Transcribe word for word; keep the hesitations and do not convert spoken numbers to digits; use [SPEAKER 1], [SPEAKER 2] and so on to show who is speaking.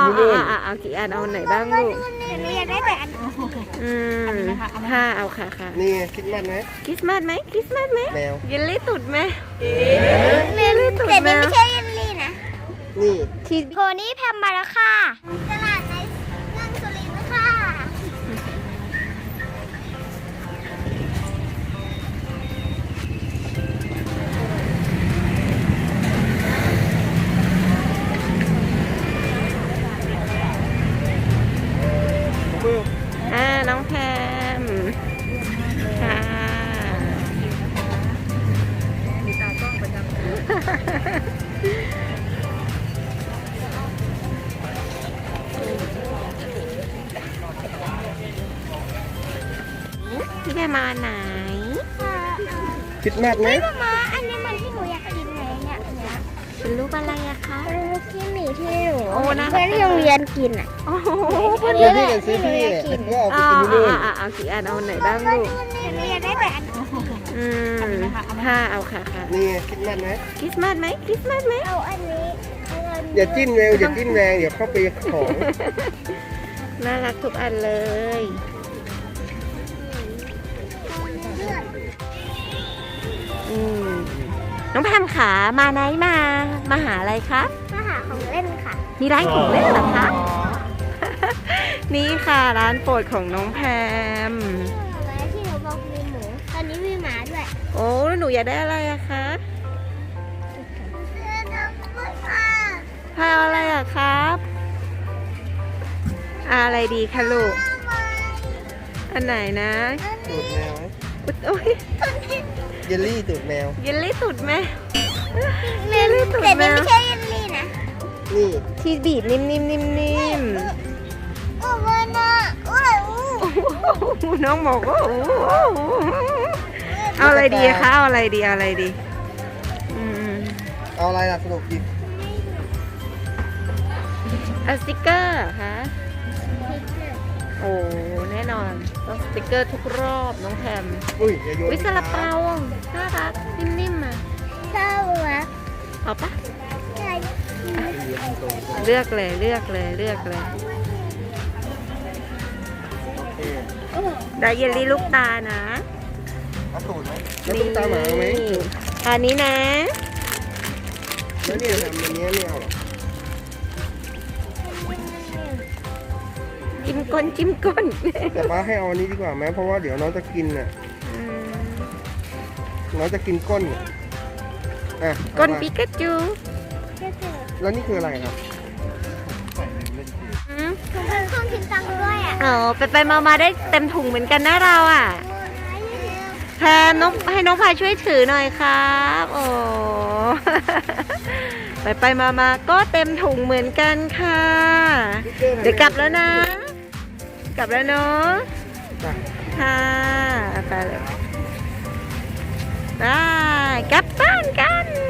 [SPEAKER 1] ที่นู่นเอากี่อันเอาไหนบ้างลูก
[SPEAKER 2] เรียนได้แต่อัน
[SPEAKER 1] อืมค่ะเอาค่ะค่ะ
[SPEAKER 3] นี่คริสต์มาสไหม
[SPEAKER 1] คริสต์มาสไหมคริสต์มาสไหม
[SPEAKER 3] แมว
[SPEAKER 1] เยลลี่ตุดไหม
[SPEAKER 2] เยลลี่ตุดแมวแต่นี่ไม่ใช่เยลลี่นะ
[SPEAKER 3] นี่
[SPEAKER 1] ที่
[SPEAKER 2] โพนี่แพมมาแล้วค่ะตลาดในเมืองสุรินทร์ค่ะ
[SPEAKER 1] อ่าน้องแพมค่ะมีตากล้องประจำพี่แพมมาไหน
[SPEAKER 3] คริสต์มาสไหม
[SPEAKER 2] ไม่มาอันนี้มันที่หนูอยากกินไหนเนี่ยเนี่ย
[SPEAKER 1] เป็นรูปอะไรอะคะ
[SPEAKER 2] เป็นลูกที่หมีที่หนู
[SPEAKER 1] โอ้นะ
[SPEAKER 2] เพื่อนที่โรงเรียนกินอ่ะ
[SPEAKER 1] โอ้โห
[SPEAKER 3] เดี๋ยวพี่กันซื้อพี่แหละก็เอาไปกินที่นู่น
[SPEAKER 1] เอากี่อันเอาไหนบ้างลูก
[SPEAKER 2] เรียนได้แต่อัน
[SPEAKER 1] อืมค่ะเอาค่ะค่ะ
[SPEAKER 3] นี่คริสต์มาสไหม
[SPEAKER 1] คริสต์มาสไหมคริสต์มาสไหม
[SPEAKER 2] เอาอันนี้
[SPEAKER 3] อย่าจิ้มแรงอย่าจิ้มแรงเดี๋ยวเข้าไปของ
[SPEAKER 1] น่ารักทุกอันเลยอืมน้องแพมขามาไหนมามาหาอะไรคะ
[SPEAKER 2] มาหาของเล่นค่ะ
[SPEAKER 1] มีร้านของเล่นเหรอคะ นี่ค่ะร้านโปรดของน้องแพม
[SPEAKER 2] ที่หนูบอกมีหมูตอนนี้มีหมาด้วย
[SPEAKER 1] โอ้แล้วหนูอยากได้อะไรอะคะพาอะไรอะครับอะไรดีคะลูกอันไหนนะ
[SPEAKER 3] ตูดแมวไหม
[SPEAKER 1] โอ้ย
[SPEAKER 3] เยลลี่ตูดแมว
[SPEAKER 1] เยลลี่ตูดไหม
[SPEAKER 2] เยลลี่ตูดแมวแต่นี่ไม่ใช่เยลลี่นะ
[SPEAKER 3] นี่
[SPEAKER 1] ที่บีบนิ่มๆนิ่ม
[SPEAKER 2] ๆโอ้โหน่าโอ้
[SPEAKER 1] ยน้องบอกว่าเอาอะไรดีคะเอาอะไรดีเอาอะไรดี
[SPEAKER 3] เอาอะไรล่ะสนุกดิ
[SPEAKER 1] เอาสติ๊กเกอร์คะโอ้แน่นอนต้องสติ๊กเกอร์ทุกรอบน้องแพม
[SPEAKER 3] อุ้ยอย่าโยน
[SPEAKER 1] วิซาลาเปาน่ารักนิ่มๆอ่ะ
[SPEAKER 2] ชอบวะ
[SPEAKER 1] เอาปะ
[SPEAKER 2] ใช่
[SPEAKER 1] เลือกเลยเลือกเลยเลือกเลยได้เยลลี่ลูกตานะ
[SPEAKER 3] เอาตูดไหมแล้วตุ๊กตาหมาไหม
[SPEAKER 1] อันนี้นะ
[SPEAKER 3] แล้วเนี่ยทำอันนี้ไม่เอาหรอ
[SPEAKER 1] จิ้มก้นจิ้มก้น
[SPEAKER 3] แต่ป้าให้เอาอันนี้ดีกว่าไหมเพราะว่าเดี๋ยวน้องจะกินน่ะน้องจะกินก้นอ่ะ
[SPEAKER 1] ก้นปิกาจู
[SPEAKER 3] แล้วนี่คืออะไรครับ
[SPEAKER 2] ถุงเงินเครื่องคิดตังค์ด้วยอ่ะ
[SPEAKER 1] อ๋อไปไปมามาได้เต็มถุงเหมือนกันนะเราอ่ะแพมน้องให้น้องพายช่วยถือหน่อยครับโอ้ไปไปมามาก็เต็มถุงเหมือนกันค่ะเดี๋ยวกลับแล้วนะกลับแล้วเนาะค่ะไปเลยได้กลับบ้านกัน